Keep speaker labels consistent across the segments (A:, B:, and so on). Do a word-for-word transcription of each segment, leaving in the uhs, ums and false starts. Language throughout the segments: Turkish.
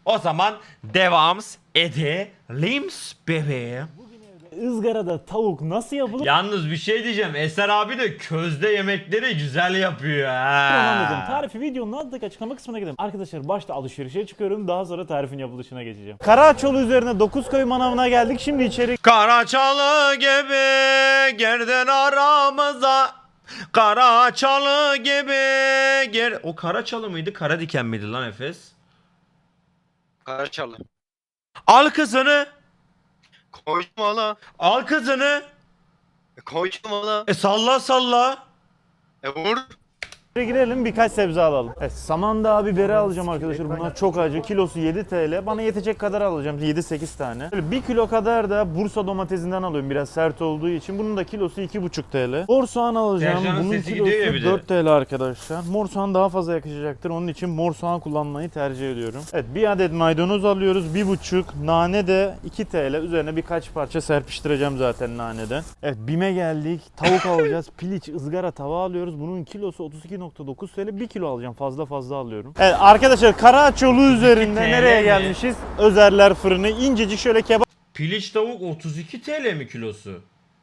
A: O zaman devam edelim bebeğim.
B: Izgarada tavuk nasıl yapılır?
A: Yalnız bir şey diyeceğim. Eser abi de közde yemekleri güzel yapıyor
B: Anladım.
A: ha.
B: Tarifi videonun alttaki açıklama kısmına gidelim. Arkadaşlar başta alışverişe çıkıyorum. Daha sonra tarifin yapılışına geçeceğim. Karaçolu üzerine Dokuzköy manavına geldik. Şimdi içeri
A: Karaçalı gibi girdin aramıza. Karaçalı gibi gir... O Karaçalı mıydı? Karadiken miydi lan Efes?
C: Karaçalı.
A: Al kızını.
C: Koydum valla.
A: Al kızını.
C: E, koydum valla.
A: E salla salla.
C: E vur.
B: girelim, birkaç sebze alalım. Evet, samandağ biberi alacağım arkadaşlar. Bunlar çok acı. Kilosu yedi TL. Bana yetecek kadar alacağım. yedi sekiz tane. Böyle bir kilo kadar da Bursa domatesinden alıyorum. Biraz sert olduğu için. Bunun da kilosu iki buçuk TL. Mor soğan alacağım.
A: Sercan'ın
B: Bunun
A: sesi gidiyor ya bir
B: kilosu
A: de.
B: dört TL arkadaşlar. Mor soğan daha fazla yakışacaktır. Onun için mor soğan kullanmayı tercih ediyorum. Evet, bir adet maydanoz alıyoruz. bir buçuk. Nane de iki TL. Üzerine birkaç parça serpiştireceğim zaten naneden. Evet, BİM'e geldik. Tavuk alacağız. Piliç ızgara tava alıyoruz. Bunun kilosu otuz iki nokta dokuz TL. bir kilo alacağım. Fazla fazla alıyorum. Evet arkadaşlar, Karaçolu üzerinde
A: T L
B: nereye
A: mi?
B: gelmişiz? Özerler fırını. İncecik şöyle kebap
A: Piliç tavuk otuz iki TL mi kilosu?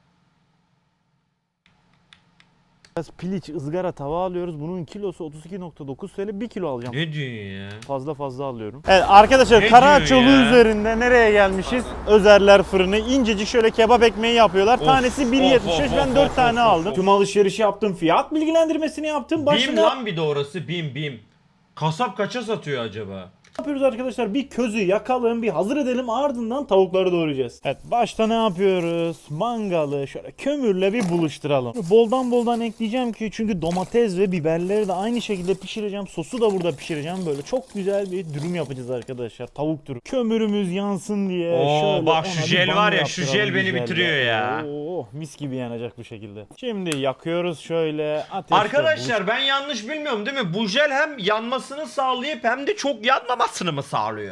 B: piliç ızgara tava alıyoruz. Bunun kilosu otuz iki nokta dokuz TL. bir kilo alacağım.
A: Ne diyorsun ya?
B: Fazla fazla alıyorum. Evet arkadaşlar,
A: Ne
B: Karaçolu
A: diyor ya?
B: üzerinde nereye gelmişiz? Özerler fırını. İncecik şöyle kebap ekmeği yapıyorlar.
A: Of,
B: Tanesi bir yetmiş beş.
A: of,
B: Ben
A: of,
B: dört
A: of,
B: tane
A: of,
B: aldım.
A: of.
B: Tüm alışverişi yaptım. Fiyat bilgilendirmesini yaptım.
A: Bim
B: Başına
A: lan bir de orası bim bim. Kasap kaça satıyor acaba?
B: yapıyoruz arkadaşlar? Bir közü yakalım, bir hazır edelim, ardından tavukları doğrayacağız. Evet, başta ne yapıyoruz? Mangalı şöyle kömürle bir buluşturalım. Boldan boldan ekleyeceğim ki çünkü domates ve biberleri de aynı şekilde pişireceğim. Sosu da burada pişireceğim. Böyle çok güzel bir dürüm yapacağız arkadaşlar. Tavuk dürüm. Kömürümüz yansın diye
A: Oo,
B: şöyle
A: bak
B: ona
A: şu
B: bir
A: jel
B: banyo
A: var ya, şu
B: yaptıralım
A: jel beni
B: güzel
A: bitiriyor ya.
B: Oo, mis gibi yanacak bu şekilde. Şimdi yakıyoruz şöyle ateşte.
A: Arkadaşlar ben yanlış bilmiyorum değil mi? Bu jel hem yanmasını sağlayıp hem de çok yanmamasını mı sağlıyor?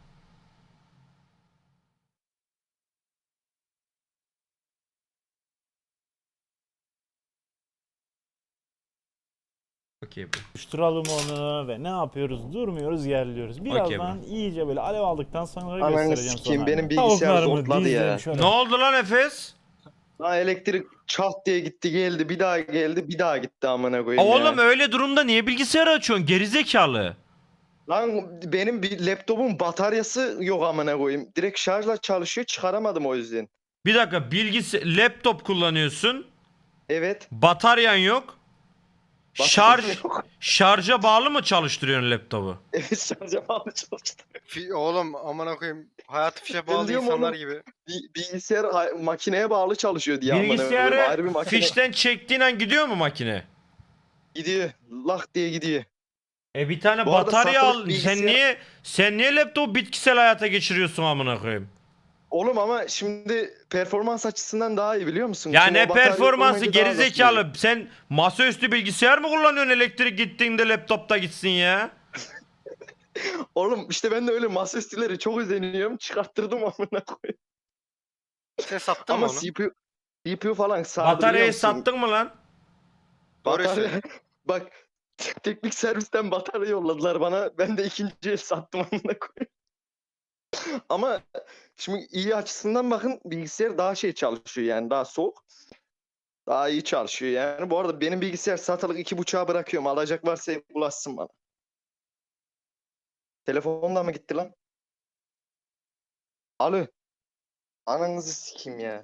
A: Okey bu.
B: Buluşturalım onu ve ne yapıyoruz? Durmuyoruz, yerliyoruz. Birazdan
A: Okey
B: iyice böyle alev aldıktan sonra
D: Ananı
B: göstereceğim
D: sikeyim,
B: sonra.
D: benim bilgisayar
B: Tavuklarımı
D: zortladı
B: dizdim
D: ya.
B: şöyle.
A: Ne oldu lan Efes?
D: Ha, elektrik çat diye gitti geldi, bir daha geldi, bir daha gitti amına koyayım
A: Oğlum
D: ya.
A: öyle durumda niye bilgisayarı açıyorsun gerizekalı?
D: Lan benim bir laptopun bataryası yok amına koyayım. Direkt şarjla çalışıyor, çıkaramadım o yüzden.
A: Bir dakika, bilgisi laptop kullanıyorsun.
D: Evet.
A: Bataryan yok.
D: bataryam
A: Şarj
D: yok.
A: şarja bağlı mı çalıştırıyorsun laptopu?
D: Evet, şarja bağlı çalıştı.
C: Fi- oğlum amına koyayım. Hayatı fişe
D: Ben
C: bağlı
D: diyorum
C: insanlar
D: oğlum.
C: gibi.
D: Bi- bilgisayar ha- makineye bağlı çalışıyor diye amına koyayım.
A: Bilgisayarı
D: Ayrı bir makine
A: fişten çektiğin an gidiyor mu makine?
D: gidiyor. Lak diye gidiyor.
A: E bir tane
D: Bu arada
A: batarya
D: satılık
A: al.
D: bilgisayar-
A: Sen niye sen niye laptopu bitkisel hayata geçiriyorsun amına koyayım?
D: Oğlum ama şimdi performans açısından daha iyi biliyor musun?
A: Ya
D: Şimdi
A: ne
D: o batarya
A: performansı
D: olmayınca daha hızlı gidiyor.
A: gerizekalı. Sen masaüstü bilgisayar mı kullanıyorsun, elektrik gittiğinde laptopta gitsin ya?
D: Oğlum işte ben de öyle masaüstüleri çok özeniyorum. Çıkarttırdım amına koyayım.
C: Sen sattın
D: Ama
C: mı onu?
D: C P U, C P U falan sardı biliyor
A: Bataryayı
D: musun?
A: sattın mı lan?
C: Doğru
D: Batarya,
C: söyle.
D: bak teknik servisten batarya yolladılar bana. Ben de ikinci el sattım amına koyayım. Ama şimdi iyi açısından bakın, bilgisayar daha şey çalışıyor yani, daha soğuk. Daha iyi çalışıyor yani. Bu arada benim bilgisayar satılık iki buçuğa bırakıyorum. Alacak varsa ulaşsın bana. Telefon da mı gitti lan? Alo. Ananızı sikeyim ya.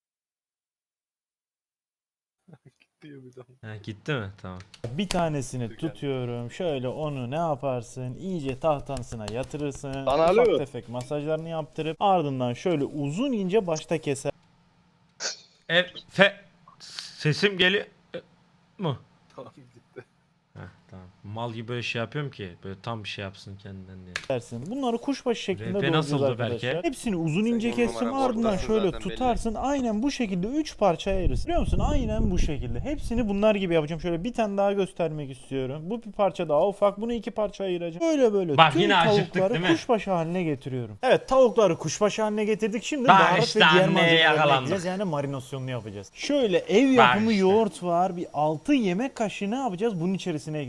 A: Ha, gitti mi? Tamam.
B: Bir tanesini tutuyorum. Şöyle onu ne yaparsın? İyice tahtasına yatırırsın.
D: Lan
B: Ufak
D: alo.
B: tefek masajlarını yaptırıp ardından şöyle uzun ince başta keser.
A: E, fe, sesim geliyor e, mu?
C: Tamam gitti.
A: Heh, tamam. Mal gibi böyle şey yapıyorum ki böyle tam bir şey yapsın kendinden diye.
B: Dersin. Bunları kuşbaşı şeklinde
A: R P
B: doğrayacağız
A: nasıldı
B: arkadaşlar.
A: belki?
B: Hepsini uzun ince
C: on
B: kestim,
C: numara
B: ardından
C: ortası
B: şöyle
C: zaten belli.
B: tutarsın. Aynen bu şekilde üç parça ayırırsın. Biliyor musun? Aynen bu şekilde. Hepsini bunlar gibi yapacağım. Şöyle bir tane daha göstermek istiyorum. Bu bir parça daha ufak. Bunu iki parça ayıracağım. Böyle böyle
A: Bak,
B: tüm
A: yine acıktık,
B: tavukları
A: değil mi?
B: kuşbaşı haline getiriyorum. Evet, tavukları kuşbaşı haline getirdik. Şimdi
A: Bak
B: baharat
A: işte
B: ve diğer
A: anneye
B: malzemeleri
A: yakalandık.
B: ekleyeceğiz. Yani marinasyonunu yapacağız. Şöyle ev yapımı
A: işte.
B: yoğurt var. Bir altı yemek kaşığı ne yapacağız? Bunun içerisine ekleyeceğiz. bir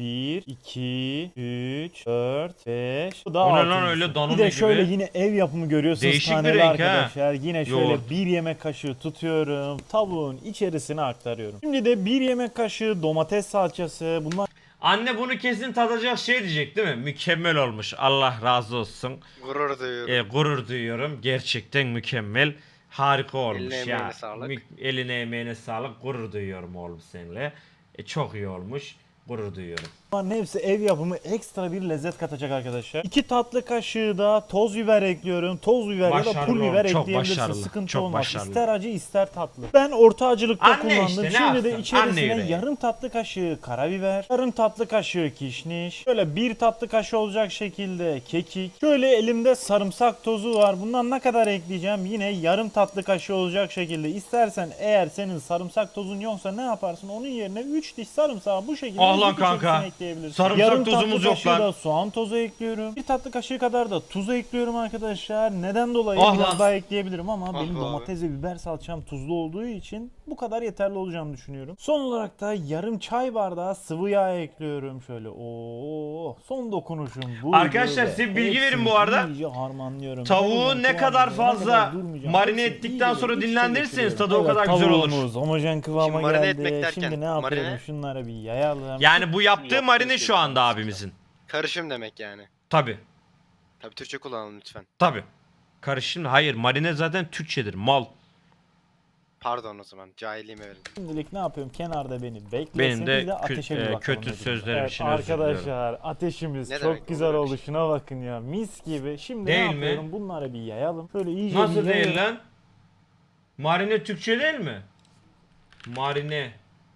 B: bir, iki, üç, dört, beş. Bu da
A: O ne lan
B: altıncısı.
A: öyle danone
B: Bir de
A: gibi?
B: şöyle yine ev yapımı görüyorsunuz
A: Değişik bir
B: taneli
A: renk ha.
B: arkadaşlar. Yine şöyle
A: Yoğurt.
B: bir yemek kaşığı tutuyorum. Tavuğun içerisine aktarıyorum. Şimdi de bir yemek kaşığı domates salçası. Bunlar
A: Anne bunu kesin tadacak şey diyecek değil mi? Mükemmel olmuş. Allah razı olsun.
C: Gurur duyuyorum.
A: E, gurur duyuyorum. Gerçekten mükemmel. Harika olmuş
C: Eline
A: ya.
C: emeğine sağlık.
A: Mü- eline emeğine sağlık. Gurur duyuyorum oğlum seninle. E, çok iyi olmuş. Gurur duyuyorum.
B: Bunların hepsi ev yapımı ekstra bir lezzet katacak arkadaşlar. iki tatlı kaşığı da toz biber ekliyorum. Toz biber ya da
A: Başarılı
B: pul biber
A: oğlum, çok
B: ekleyebilirsin.
A: başarılı,
B: Sıkıntı
A: çok
B: olmaz.
A: başarılı.
B: İster acı ister tatlı. Ben orta acılıkta
A: Anne
B: kullandım.
A: işte, ne
B: Şimdi de
A: yapsın?
B: içerisine
A: Anne yüreği.
B: yarım tatlı kaşığı karabiber, yarım tatlı kaşığı kişniş, şöyle bir tatlı kaşığı olacak şekilde kekik. Şöyle elimde sarımsak tozu var. Bundan ne kadar ekleyeceğim? Yine yarım tatlı kaşığı olacak şekilde. İstersen eğer senin sarımsak tozun yoksa ne yaparsın? Onun yerine üç diş sarımsağı bu şekilde
A: Ah lan
B: ezip
A: kanka.
B: içerisine ekleyebilirsin.
A: Sarımsak
B: Yarım
A: tozumuz
B: tatlı
A: yok
B: kaşığı
A: lan.
B: da soğan tozu ekliyorum. Bir tatlı kaşığı kadar da tuz ekliyorum arkadaşlar. Neden dolayı
A: Ah
B: biraz
A: lan.
B: daha ekleyebilirim ama
C: Ah
B: benim
C: be abi.
B: domates ve biber salçam tuzlu olduğu için bu kadar yeterli olacağını düşünüyorum. Son olarak da yarım çay bardağı sıvı yağ ekliyorum. Şöyle ooo son dokunuşum bu.
A: Arkadaşlar size bilgi verin bu arada.
B: İyice harmanlıyorum.
A: Tavuğu
B: Ben
A: ne
B: o
A: kadar
B: kıvamına
A: fazla
B: kadar durmayacağım.
A: marine
B: Hepsini
A: ettikten
B: iyice
A: sonra
B: iç içe
A: dinlendirirseniz
B: geçiriyorum.
A: tadı o kadar güzel olur.
B: Tavuğumuz homojen kıvama
C: Şimdi marine
B: geldi.
C: etmek derken,
B: Şimdi ne yapıyorum?
C: marine-
B: Şunları bir yayalım.
A: Yani bu yaptığı
C: Yaptığı
A: marine
C: şey
A: şu anda
C: yani.
A: abimizin.
C: Karışım demek yani.
A: Tabi.
C: Tabii Türkçe kullanalım lütfen.
A: Tabi. Karışım. Hayır, marine zaten Türkçedir. Mal.
C: Pardon o zaman. Cahilliğime verin.
B: Şimdilik ne yapıyorum? Kenarda beni beklesin.
A: Benim de
B: Bir de
A: kö-
B: ateşe bir
A: e,
B: bakalım
A: kötü
B: dedim.
A: sözlerim
B: Evet,
A: için özür diliyorum.
B: arkadaşlar ateşimiz
C: Ne
B: çok
C: demek,
B: güzel
C: olur öyle
B: oldu.
C: şey.
B: Şuna bakın ya. Mis gibi. Şimdi
A: Değil
B: ne
A: mi?
B: yapıyorum? Bunları bir yayalım. Şöyle iyice
A: Nasıl
B: bir
A: değil
B: yayalım.
A: lan? Marine Türkçe değil mi? Marine.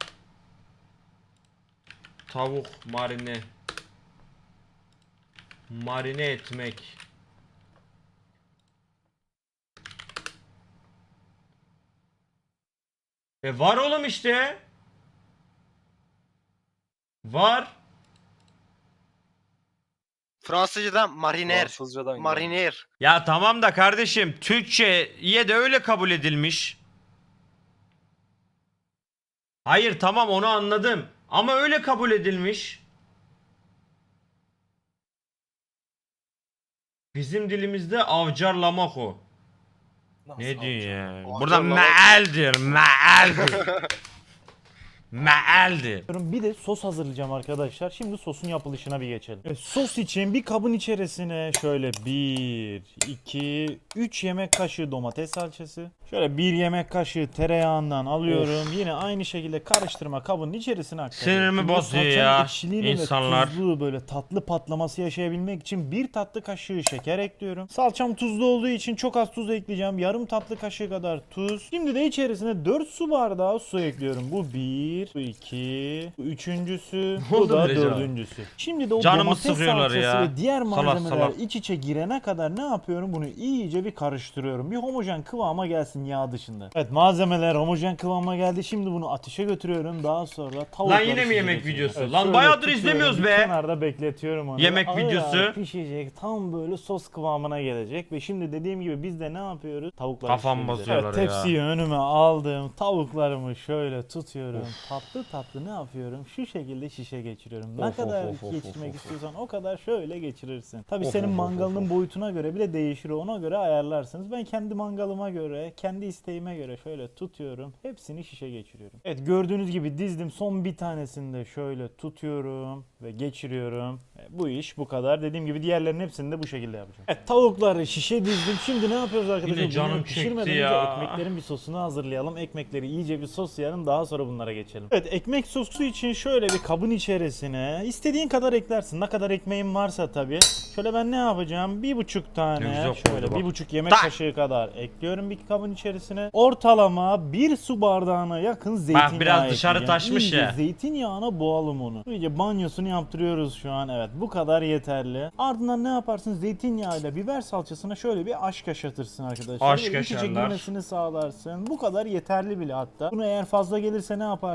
A: Tavuk marine. Marine etmek. E var oğlum işte. Var.
C: Fransızcadan mariner.
E: Fransızcadan geldi.
C: Mariner.
A: Ya tamam da kardeşim Türkçe'ye de öyle kabul edilmiş. Hayır tamam onu anladım. Ama öyle kabul edilmiş. Bizim dilimizde avcarlamak o.
E: Nasıl
A: Ne diyor ya?
C: Avcarlamak.
A: Burada mealdir, mealdir. Mealdir.
B: Bir de sos hazırlayacağım arkadaşlar. Şimdi sosun yapılışına bir geçelim. Evet, sos için bir kabın içerisine şöyle bir, iki, üç yemek kaşığı domates salçası. Şöyle bir yemek kaşığı tereyağından alıyorum. Yine aynı şekilde karıştırma kabının içerisine aktarıyorum.
A: Sinirimi
B: Şimdi bu
A: bozuyor
B: salçanın
A: ya
B: ekşiliğini ve
A: insanlar.
B: tuzluğu böyle tatlı patlaması yaşayabilmek için bir tatlı kaşığı şeker ekliyorum. Salçam tuzlu olduğu için çok az tuz ekleyeceğim. Yarım tatlı kaşığı kadar tuz. Şimdi de içerisine dört su bardağı su ekliyorum. Bu bir, bu iki, bu üçüncüsü,
A: Ne
B: bu
A: oldu
B: da
A: böyle canım?
B: dördüncüsü. Şimdi de o
A: Canımı
B: domates
A: sıkıyorlar
B: salçası
A: ya.
B: ve diğer
A: Salak
B: malzemeler
A: salak.
B: iç içe girene kadar ne yapıyorum? Bunu iyice bir karıştırıyorum. Bir homojen kıvama gelsin yağ dışında. Evet malzemeler homojen kıvama geldi. Şimdi bunu ateşe götürüyorum. Daha sonra tavukları
A: Lan yine mi
B: şişe
A: yemek
B: geçiriyorum.
A: videosu? Lan
B: şöyle
A: bayağıdır
B: tutuyorum,
A: izlemiyoruz
B: bir
A: be.
B: Kenarda bekletiyorum onu.
A: Yemek
B: Ağır
A: videosu.
B: ağır pişecek. Tam böyle sos kıvamına gelecek. Ve şimdi dediğim gibi biz de ne yapıyoruz? Tavukları
A: Kafam
B: şişireceğiz.
A: bozuyorlar
B: evet,
A: ya.
B: Tepsiyi önüme aldım. Tavuklarımı şöyle tutuyorum. Tatlı tatlı ne yapıyorum? Şu şekilde şişe geçiriyorum. Ne
A: Of, of,
B: kadar
A: of, of,
B: geçirmek
A: of, of.
B: istiyorsan o kadar şöyle geçirirsin. Tabii
A: Of,
B: senin
A: of, of,
B: mangalının
A: of.
B: boyutuna göre bile değişir. Ona göre ayarlarsınız. Ben kendi mangalıma göre, kendi isteğime göre şöyle tutuyorum. Hepsini şişe geçiriyorum. Evet gördüğünüz gibi dizdim. Son bir tanesini de şöyle tutuyorum ve geçiriyorum. E, bu iş bu kadar. Dediğim gibi diğerlerinin hepsini de bu şekilde yapacağım. Evet tavukları şişe dizdim. Şimdi ne yapıyoruz arkadaşlar?
A: Yine canım
B: Bunları
A: çekti
B: pişirmeden önce
A: ya.
B: ekmeklerin bir sosunu hazırlayalım. Ekmekleri iyice bir soslayalım. Daha sonra bunlara geçelim. Evet ekmek sosu için şöyle bir kabın içerisine istediğin kadar eklersin. Ne kadar ekmeğin varsa tabii. Şöyle ben ne yapacağım? Bir buçuk
A: Ne
B: tane
A: güzel koydu
B: şöyle
A: bak.
B: bir buçuk yemek
A: Tak!
B: kaşığı kadar ekliyorum bir kabın içerisine. Ortalama bir su bardağına yakın zeytinyağı
A: biraz dışarı
B: ekleyeceğim.
A: taşmış
B: İyice
A: ya.
B: zeytinyağına boğalım onu. İyice banyosunu yaptırıyoruz şu an. Evet bu kadar yeterli. Ardından ne yaparsın? Zeytinyağıyla biber salçasına şöyle bir aşk yaşatırsın arkadaşlar.
A: Aşk
B: Böyle iç içe
A: yaşarlar.
B: girmesini sağlarsın. Bu kadar yeterli bile hatta. Bunu eğer fazla gelirse ne yaparsın?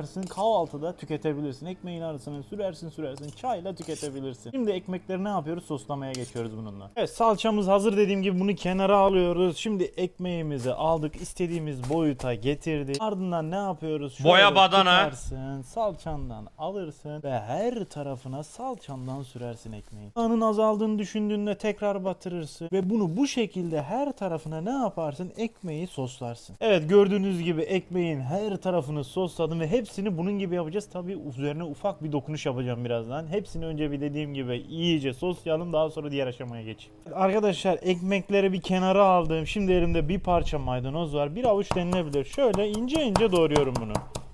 B: yaparsın, kahvaltıda tüketebilirsin. Ekmeğin arasına sürersin sürersin, çayla tüketebilirsin. Şimdi ekmekleri ne yapıyoruz? Soslamaya geçiyoruz bununla. Evet, salçamız hazır dediğim gibi bunu kenara alıyoruz. Şimdi ekmeğimizi aldık, istediğimiz boyuta getirdik. Ardından ne yapıyoruz? Şöyle
A: Boya badana.
B: tutarsın, salçandan alırsın ve her tarafına salçandan sürersin ekmeği. Yağının azaldığını düşündüğünde tekrar batırırsın ve bunu bu şekilde her tarafına ne yaparsın? Ekmeği soslarsın. Evet, gördüğünüz gibi ekmeğin her tarafını sosladım ve hepsini bunun gibi yapacağız. Tabii üzerine ufak bir dokunuş yapacağım birazdan. Hepsini önce bir dediğim gibi iyice soslayalım, daha sonra diğer aşamaya geçeyim. Arkadaşlar, ekmekleri bir kenara aldım. Şimdi elimde bir parça maydanoz var. Bir avuç denilebilir. Şöyle ince ince doğruyorum bunu.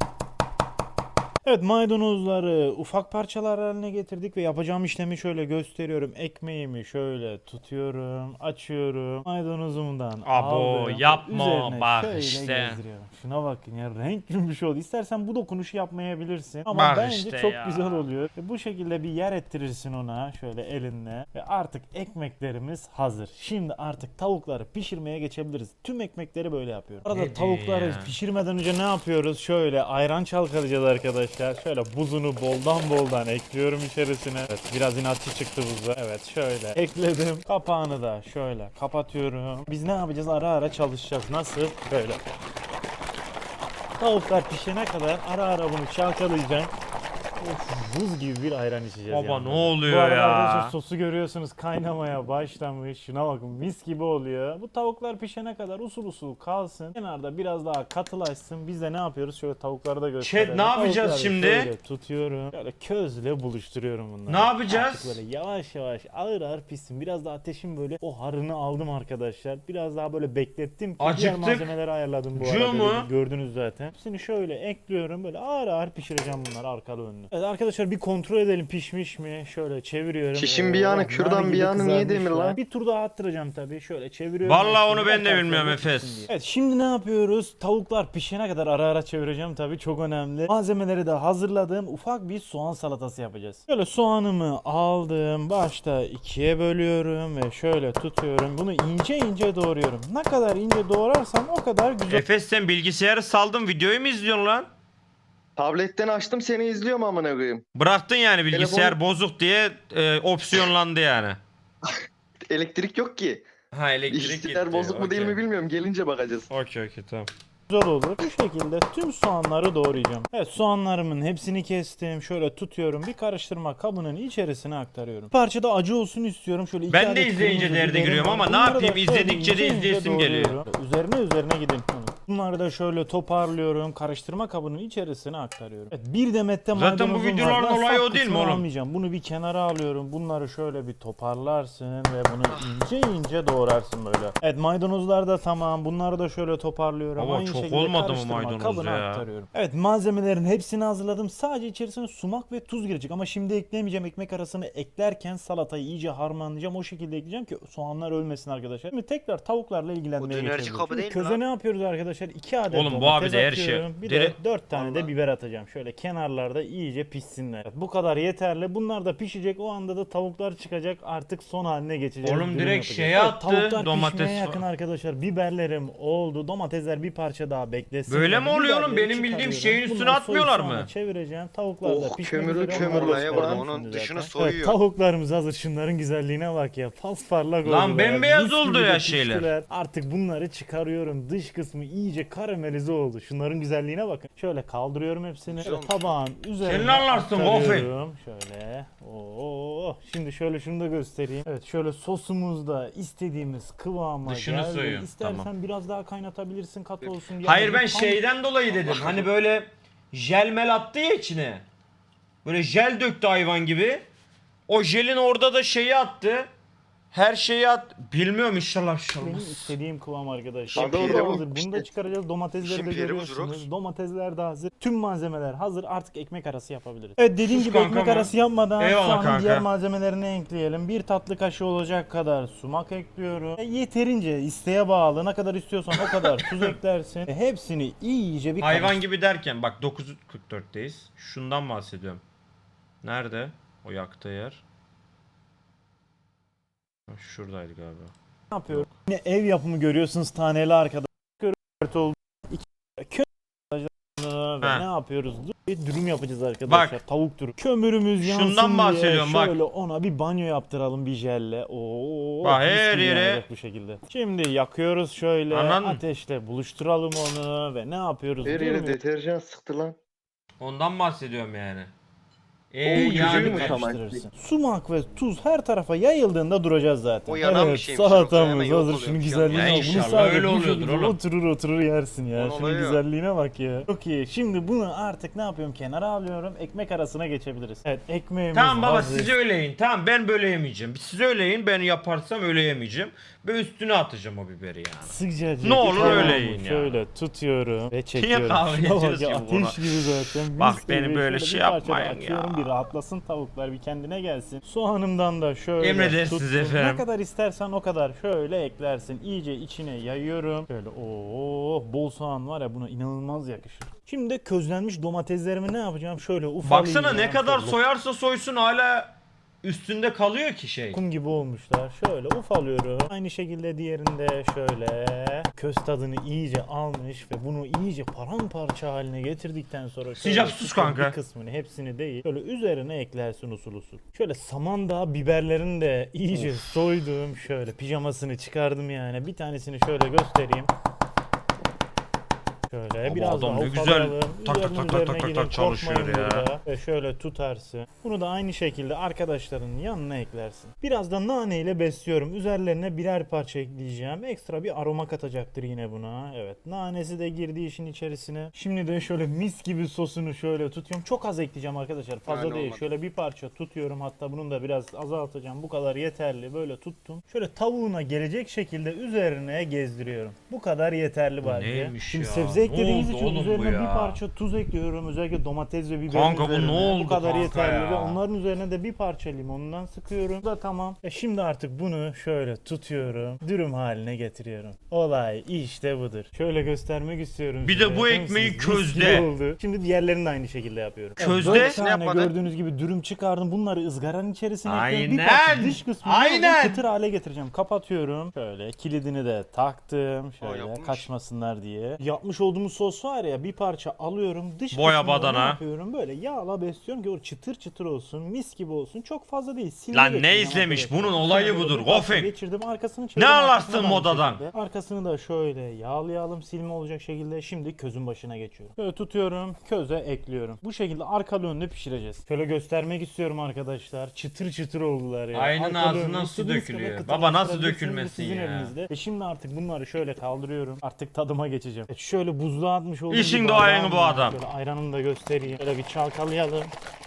B: Evet, maydanozları ufak parçalar haline getirdik ve yapacağım işlemi şöyle gösteriyorum. Ekmeğimi şöyle tutuyorum, açıyorum. Maydanozumdan
A: Abo,
B: aldım.
A: yapma,
B: Üzerine
A: bak
B: şöyle
A: işte.
B: gezdiriyorum. Şuna bakın ya, renk gümüş oldu. İstersen bu dokunuşu yapmayabilirsin ama
A: Bak
B: bence
A: işte
B: çok
A: ya.
B: güzel oluyor. Ve bu şekilde bir yer ettirirsin ona şöyle elinle ve artık ekmeklerimiz hazır. Şimdi artık tavukları pişirmeye geçebiliriz. Tüm ekmekleri böyle yapıyorum. Arada
A: Ne diyor
B: tavukları
A: ya?
B: pişirmeden önce ne yapıyoruz? Şöyle ayran çalkalayacağız arkadaşlar. Şöyle buzunu boldan boldan ekliyorum içerisine. Evet, biraz inatçı çıktı buzda. Evet, şöyle ekledim. Kapağını da şöyle kapatıyorum. Biz ne yapacağız? Ara ara çalışacağız. Nasıl? Böyle. Tavuklar pişene kadar ara ara bunu çalkalayacağım. Of, buz gibi bir ayran içeceğiz.
A: Baba
B: yanında.
A: ne oluyor
B: Bu arada
A: ya?
B: arkadaşlar sosu görüyorsunuz, kaynamaya başlamış. Şuna bakın, mis gibi oluyor. Bu tavuklar pişene kadar usul usul kalsın. Kenarda biraz daha katılaşsın. Biz de ne yapıyoruz? Şöyle tavukları da gösterelim.
A: ne yapacağız
B: Tavukları
A: şimdi?
B: Şöyle tutuyorum. Şöyle közle buluşturuyorum bunları.
A: Ne yapacağız?
B: Artık böyle yavaş yavaş ağır ağır pişsin. Biraz da ateşin böyle o harını aldım arkadaşlar. Biraz daha böyle beklettim ki diğer
A: Acıktık.
B: malzemeleri ayarladım bu
A: Acıyor
B: arada.
A: mu?
B: Gördünüz zaten. Hepsini şöyle ekliyorum. Böyle ağır ağır pişireceğim bunları arkalı önlü. Evet arkadaşlar, bir kontrol edelim pişmiş mi? Şöyle çeviriyorum.
D: Şişin bir
B: Oo,
D: yanı,
B: nar
D: kürdan bir
B: gibi
D: yanı niye
B: kızarmışlar.
D: demir lan?
B: Bir tur daha attıracağım tabii. Şöyle çeviriyorum.
A: Vallahi onu
B: hepsini.
A: ben de
B: Her
A: bilmiyorum
B: tarafları
A: Efes.
B: pişsin diye. Evet, şimdi ne yapıyoruz? Tavuklar pişene kadar ara ara çevireceğim tabii. Çok önemli. Malzemeleri de hazırladım. Ufak bir soğan salatası yapacağız. Şöyle soğanımı aldım. Başta ikiye bölüyorum ve şöyle tutuyorum. Bunu ince ince doğruyorum. Ne kadar ince doğrarsam o kadar güzel.
A: Efes, sen bilgisayarı saldın, videoyu mu izliyorsun lan?
D: Tabletten açtım, seni izliyorum amına koyayım.
A: Bıraktın yani, bilgisayar
D: Telefonu-
A: bozuk diye e, opsiyonlandı yani.
D: Elektrik yok ki.
A: Ha, elektrik
D: Bilgisayar
A: gitti.
D: bozuk mu değil mi bilmiyorum. Gelince bakacağız.
A: Okey okey tamam.
B: Güzel olur. Bu şekilde tüm soğanları doğrayacağım. Evet, soğanlarımın hepsini kestim. Şöyle tutuyorum. Bir karıştırma kabının içerisine aktarıyorum. Bir parça da acı olsun istiyorum. Şöyle iki
A: Ben de
B: adet
A: izleyince
B: kırmızı
A: derde
B: biberim
A: giriyorum
B: var.
A: ama ne
B: Bunları da
A: yapayım,
B: şöyle
A: izledikçe de
B: ince ince
A: izleyesim geliyor.
B: doğruyorum. Üzerine üzerine gidin. Bunları da şöyle toparlıyorum. Karıştırma kabının içerisine aktarıyorum. Evet, bir demet de
A: Zaten bu
B: maydanozum var.
A: videoların
B: Ben
A: olayı
B: saf
A: o değil mi
B: kısmını
A: oğlum?
B: almayacağım. Bunu bir kenara alıyorum. Bunları şöyle bir toparlarsın ve bunu ince ince doğrarsın böyle. Evet, maydanozlar da tamam. Bunları da şöyle toparlıyorum.
A: Baba,
B: Aynı
A: çok
B: şekilde
A: olmadı mı
B: karıştırma
A: maydanoz
B: kabına
A: ya?
B: aktarıyorum. Evet, malzemelerin hepsini hazırladım. Sadece içerisine sumak ve tuz girecek ama şimdi ekleyemeyeceğim. Ekmek arasını eklerken salatayı iyice harmanlayacağım. O şekilde ekleyeceğim ki soğanlar ölmesin arkadaşlar. Şimdi tekrar tavuklarla ilgilenmeye
C: Bu dönerci
B: geçelim.
C: kabı
B: Şimdi
C: değil mi
B: köze
C: lan?
B: ne yapıyoruz arkadaşlar? iki adet
A: Oğlum bu
B: domates
A: abi de her şey-
B: atıyorum. Bir
A: Dere-
B: de dört tane de
C: Vallahi.
B: biber atacağım. Şöyle kenarlarda iyice pişsinler. Evet, bu kadar yeterli. Bunlar da pişecek. O anda da tavuklar çıkacak. Artık son haline geçeceğiz.
A: Oğlum
B: Dürüm
A: direkt
B: yapacağız.
A: şeye
B: Evet,
A: attı,
B: tavuklar
A: domates
B: pişmeye yakın
A: falan.
B: arkadaşlar. Biberlerim oldu. Domatesler bir parça daha beklesin.
A: Böyle
B: Ben
A: mi oluyor oğlum?
B: biberleri
A: Benim bildiğim
B: çıkarıyorum.
A: şeyin üstüne
B: Bunları
A: atmıyorlar
B: soyup
A: mı?
B: soğana çevireceğim. Tavuklar da
D: Oh,
B: pişmek
D: kömürü
B: üzere.
D: kömür
B: Onları
C: olaya bak,
B: gösterdim
C: onun
B: şimdi
C: dışını
B: zaten.
C: soyuyor.
B: Evet, tavuklarımız hazır. Şunların güzelliğine bak ya. Pasparlak
A: Lan
B: oldular.
A: bembeyaz
B: Mis
A: oldu
B: gibi
A: ya
B: de
A: şeyler.
B: piştiler. Artık bunları çıkarıyorum. Dış kısmı iyice karamelize oldu. Şunların güzelliğine bakın. Şöyle kaldırıyorum hepsini. Şöyle tabağın üzerine
A: Sen ne anlarsın Gofi?
B: aktarıyorum. Şöyle. Oo. Şimdi şöyle şunu da göstereyim. Evet, şöyle sosumuz da istediğimiz kıvama
A: Dışını
B: geldi.
A: soyuyor.
B: İstersen
A: Tamam.
B: biraz daha kaynatabilirsin, katı olsun diye.
A: Hayır,
B: Ama
A: ben
B: bu tam-
A: şeyden dolayı dedim. Hani böyle jel mel attı ya içine. Böyle jel döktü hayvan gibi. O jelin orada da şeyi attı. Her şeyi at. Bilmiyorum, inşallah bir şey
B: Benim
A: olmaz.
B: istediğim kıvam arkadaşlar.
D: Şimpiri
B: Doğru
D: bu.
B: hazır. Bunu da çıkaracağız. Domatesleri de
C: Şimpiri bu,
B: görüyorsunuz.
C: Jurox.
B: Domatesler de hazır. Tüm malzemeler hazır. Artık ekmek arası yapabiliriz. Evet, dediğim
A: Sus
B: gibi
A: kanka
B: ekmek
A: mı?
B: arası yapmadan
A: Eyvallah
B: soğanın
A: kanka.
B: diğer malzemelerini ekleyelim. Bir tatlı kaşığı olacak kadar sumak ekliyorum. E, yeterince isteğe bağlı. Ne kadar istiyorsan o kadar tuz eklersin. E, hepsini iyice bir
A: Hayvan
B: karıştır.
A: gibi derken bak dokuz kırk dörtteyiz. Şundan bahsediyorum. Nerede o yaktığı yer? Ha, şuradaydı galiba.
B: Ne yapıyorum? Yine ev yapımı görüyorsunuz, taneli arkadaşlar. Dört oldu. İki kö ve
A: Ha.
B: ne yapıyoruz? bir dürüm yapacağız arkadaşlar.
A: Bak.
B: Tavuk dürüm. Kömürümüz yansın
A: Şundan
B: diye
A: bahsediyorum, bak.
B: şöyle ona bir banyo yaptıralım bir jelle. Oo,
A: Bak,
B: mis
A: her
B: gibi
A: yere-
B: yanacak bu şekilde. Şimdi yakıyoruz şöyle
A: Anladın mı?
B: ateşle buluşturalım onu ve ne yapıyoruz?
D: Her
B: Dürümü
D: yere deterjan sıktı lan.
A: Ondan bahsediyorum yani.
D: Oo,
A: Eee
D: yüzüğü
A: yani
D: mü tamam?
B: karıştırırsın. Sumak ve tuz her tarafa yayıldığında duracağız zaten.
C: O yanan bir
B: evet,
C: şeymiş, yoksa hemen
B: salatamız
C: yok
B: hazır.
C: oluyor
B: Şunun
C: bir şey.
B: güzelliğine
A: Ya
B: bak. Bunu
A: inşallah
B: sadece
A: öyle
B: bu
A: oluyordur
B: şekilde
A: oğlum.
B: oturur oturur yersin ya.
C: Onun
B: Şunun
C: olayı o.
B: güzelliğine bak ya. Çok iyi. Şimdi bunu artık ne yapıyorum? Kenara alıyorum. Ekmek arasına geçebiliriz. Evet, ekmeğimiz
A: Tamam baba
B: hazır.
A: siz öyle yiyin. Tamam ben böyle yemeyeceğim. Siz öyle yiyin, ben yaparsam öyle yemeyeceğim. Ve üstüne atacağım o biberi yani.
B: Sıcacık.
A: Ne olur
B: tamamı
A: öyle yiyin ya.
B: Şöyle tutuyorum ve çekiyorum.
A: kahve
B: Şuna bak
A: içiyoruz
B: ya,
A: ki
B: ateş
A: buna?
B: gibi zaten.
A: Bak
B: Mis
A: beni
B: gibi.
A: böyle
B: Şöyle
A: şey
B: bir parça da
A: yapmayın
B: açıyorum,
A: ya.
B: bir rahatlasın tavuklar, bir kendine gelsin. Soğanımdan da şöyle
A: Emredersiniz
B: tuttum.
A: efendim.
B: Ne kadar istersen o kadar şöyle eklersin. İyice içine yayıyorum. Şöyle ooo bol soğan var ya, buna inanılmaz yakışır. Şimdi de közlenmiş domateslerimi ne yapacağım? Şöyle ufalayacağım.
A: Baksana ne kadar
B: Şöyle
A: soyarsa soysun hala üstünde kalıyor ki şey.
B: lokum gibi olmuşlar. Şöyle ufalıyorum. Aynı şekilde diğerinde şöyle köz tadını iyice almış ve bunu iyice paramparça haline getirdikten sonra şöyle
A: Sıcak sus
B: çıkan
A: kanka.
B: bir kısmını, hepsini değil, şöyle üzerine eklersin usul usul. Şöyle samandağ biberlerini de iyice soydum. Şöyle pijamasını çıkardım yani. Bir tanesini şöyle göstereyim. Şöyle
A: Ama
B: biraz
A: adam
B: daha
A: ne güzel
B: ufalayalım.
A: tak tak
B: Üzerine
A: tak tak
B: üzerine
A: tak tak
B: gidin,
A: çalışıyor
B: korkmayın
A: ya.
B: burada. Ve şöyle tutarsın. Bunu da aynı şekilde arkadaşlarının yanına eklersin. Biraz da nane ile besliyorum. Üzerlerine birer parça ekleyeceğim. Ekstra bir aroma katacaktır yine buna. Evet. Nanesi de girdi işin içerisine. Şimdi de şöyle mis gibi sosunu şöyle tutuyorum. Çok az ekleyeceğim arkadaşlar. Fazla
C: Yani
B: değil.
C: olmadı.
B: Şöyle bir parça tutuyorum. Hatta bunun da biraz azaltacağım. Bu kadar yeterli. Böyle tuttum. Şöyle tavuğuna gelecek şekilde üzerine gezdiriyorum. Bu kadar yeterli bence.
A: neymiş
B: Şimdi
A: ya?
B: sebze
A: Ne
B: eklediğiniz
A: oldu
B: için
A: oğlum bu
B: üzerine bir
A: ya?
B: parça tuz ekliyorum. Özellikle domates ve biberin
A: Kanka bu ne
B: üzerine.
A: oldu
B: Bu kadar
A: kanka
B: yeterli
A: ya?
B: ve onların üzerine de bir parça limondan sıkıyorum. Bu da tamam. E şimdi artık bunu şöyle tutuyorum. Dürüm haline getiriyorum. Olay işte budur. Şöyle göstermek istiyorum
A: Bir de
B: size.
A: bu
B: Bakar
A: ekmeği
B: mısınız? Mis gibi
A: közde.
B: oldu. Şimdi diğerlerini de aynı şekilde yapıyorum. Evet,
A: Közde?
B: dört
C: Ne
B: tane
C: yapmadın?
B: gördüğünüz gibi dürüm çıkardım. Bunları ızgaranın içerisine ekliyorum. Bir
A: Aynen.
B: parça dış kısmını
A: Aynen.
B: kıtır hale getireceğim. Kapatıyorum. Şöyle kilidini de taktım. Şöyle
C: yapmış.
B: kaçmasınlar diye. Yapmış olduğumuz sos var ya, bir parça alıyorum. Dış
A: Boya
B: kısmını da
A: badana.
B: ne yapıyorum? Böyle yağla besliyorum ki o çıtır çıtır olsun. Mis gibi olsun. Çok fazla değil. Silme
A: Lan ne
B: geçireceğim
A: izlemiş?
B: arkadaşlar.
A: Bunun olayı
B: Şöyle
A: budur.
B: bir parça
A: Gofeng.
B: Geçirdim. Arkasını
A: Ne
B: çevirdim.
A: anlarsın
B: Arkasını da aynı
A: modadan?
B: şekilde. Arkasını da şöyle yağlayalım. Silme olacak şekilde. Şimdi közün başına geçiyorum. Böyle tutuyorum. Köze ekliyorum. Bu şekilde arkalı önlü pişireceğiz. Şöyle göstermek istiyorum arkadaşlar. Çıtır çıtır oldular ya.
A: Aynen
B: Arkalı
A: ağzından
B: önlü
A: su
B: istediğiniz kadar
A: dökülüyor.
B: kıtırlaştırabilirsiniz.
A: Baba nasıl
B: Bu
A: dökülmesin
B: sizin
A: ya?
B: elinizde. E şimdi artık bunları şöyle kaldırıyorum. Artık tadıma geçeceğim. E şöyle buzluğa atmış olduğum
A: İşin
B: bir
A: doğayını
B: bardağım
A: bu
B: var.
A: adam.
B: Şöyle ayranımı da göstereyim. Şöyle bir çalkalayalım.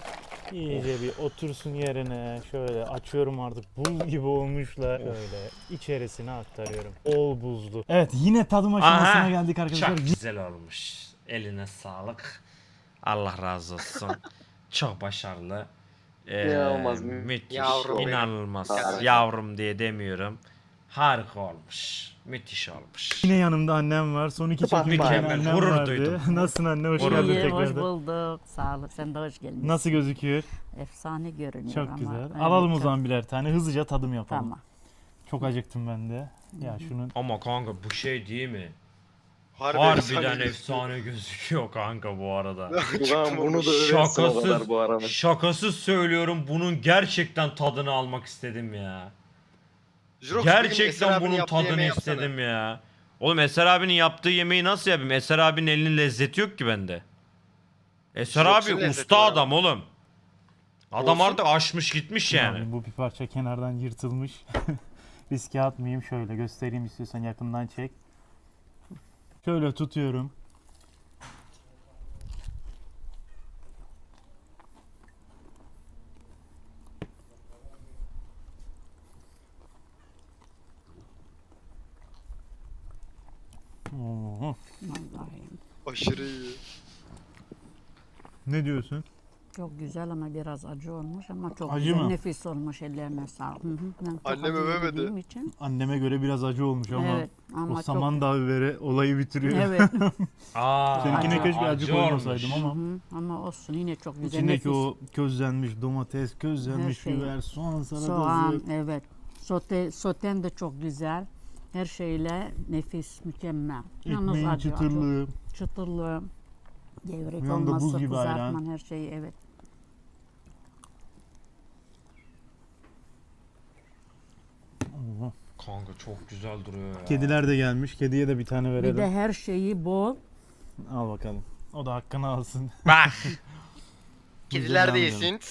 B: İyice bir otursun yerine. Şöyle açıyorum artık. Buz gibi olmuşlar. Şöyle içerisine aktarıyorum. Bol buzlu. Evet, yine tadım aşamasına
A: Aha,
B: geldik arkadaşlar.
A: Çok güzel olmuş. Eline sağlık. Allah razı olsun. Çok başarılı. Ee,
D: İnanılmaz.
A: müthiş.
C: Yavrum benim.
A: İnanılmaz.
D: Harika.
A: Yavrum diye demiyorum. Harika olmuş. Müthiş olmuş.
B: Yine yanımda annem var. Son iki
D: Bak,
B: çekimde
A: mükemmel.
B: annem
A: Gurur
B: vardı.
A: duydum.
B: Nasılsın anne? Hoş
A: Gurur
B: geldin
A: duydum.
F: İyi, hoş
B: tekrardan.
F: bulduk. Sağ olun. Sen de hoş geldin.
B: Nasıl gözüküyor?
F: Efsane görünüyor
B: Çok
F: ama.
B: güzel.
F: Evet,
B: Alalım o
F: çok-
B: zaman birer tane. Hızlıca tadım yapalım.
F: Tamam.
B: Çok acıktım ben de. Ya şunun
A: Ama kanka bu şey değil mi?
C: Harbi
A: Harbiden
C: efsane
A: efsane gözüküyor kanka bu arada.
D: Ulan bunu da översin o kadar bu arada.
A: şakasız söylüyorum, bunun gerçekten tadını almak istedim ya.
C: Jirox, bir gün Eser
A: Gerçekten
C: abinin
A: bunun
C: yaptığı
A: tadını
C: yemeği yapsana.
A: istedim ya. Oğlum Eser abinin yaptığı yemeği nasıl yapayım? Eser abinin elinin lezzeti yok ki bende. Eser
C: Jirox'un
A: abi
C: lezzeti
A: usta
C: var
A: adam oğlum. Adam
C: Olsun.
A: artık aşmış gitmiş yani.
B: Yani bu bir parça kenardan yırtılmış. Riske atmayayım, şöyle göstereyim istiyorsan, yakından çek. Şöyle tutuyorum. Oo.
F: Vallahi.
C: Aşırı iyi.
B: Ne diyorsun?
F: Çok güzel ama biraz acı olmuş ama çok
B: Acı
F: güzel.
B: mı?
F: Nefis olmuş, ellerine sağlık. Hı hı. Ben çok
C: Annem
F: acı
C: övemedi.
F: yediğim için.
B: Anneme göre biraz acı olmuş ama
F: Evet ama
B: o
F: çok.
B: samandağ biberi olayı bitiriyor.
F: Evet.
A: Aa,
B: Seninkine
F: Acı-
B: keşke acı,
A: acı
B: koymasaydım
A: olmuş.
B: ama.
F: Hı, ama olsun yine çok güzel.
B: İçindeki
F: nefis.
B: o közlenmiş domates, közlenmiş
F: Her şey.
B: biber, soğan salatası.
F: Soğan, evet. Sote, soten de çok güzel. Her şeyle nefis, mükemmel. Yalnız
B: Ekmeğin
F: acı, acı.
B: çıtırlığı.
F: Çıtırlığı. Gevrek
B: Bir anda buz
F: olmazsa
B: gibi ayran.
F: kızartman her şeyi evet.
A: Kanka çok güzel duruyor ya.
B: Kediler de gelmiş. Kediye de bir tane verelim.
F: Bir de her şeyi bol.
B: Al bakalım. O da hakkını alsın.
E: Bak.
B: Biz
E: Kediler de
B: devam
E: yesin.
B: edelim.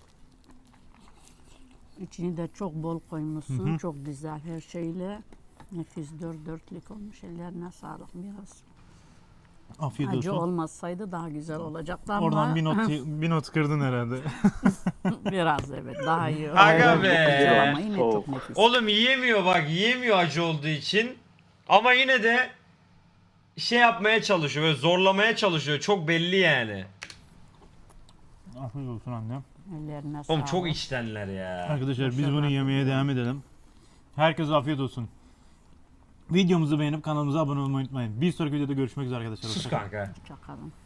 F: İçini de çok bol koymuşsun.
B: Hı hı.
F: Çok güzel her şeyle. Nefis dört dörtlük olmuş. Ellerine sağlık biraz.
B: Afiyet
F: Acı
B: olsun.
F: olmasaydı daha güzel olacaktı ama
B: Oradan bir not bir not kırdın herhalde.
F: biraz evet daha iyi.
A: Aga
F: Ayran
A: be.
F: çok güzel ama yine
D: Soğuk.
F: çok nefis.
A: Oğlum yiyemiyor bak, yiyemiyor acı olduğu için. Ama yine de şey yapmaya çalışıyor, böyle zorlamaya çalışıyor. Çok belli yani.
B: Afiyet olsun annem.
F: Ellerine sağlık.
A: Oğlum çok içtenler ya.
B: Arkadaşlar biz
F: Başarılar
B: bunu yemeye
F: diliyorum.
B: devam edelim. Herkese afiyet olsun. Videomuzu beğenip kanalımıza abone olmayı unutmayın. Bir sonraki videoda görüşmek üzere arkadaşlar.
A: Sus
B: Hoşça kalın.
A: kanka.
F: Hoşçakalın.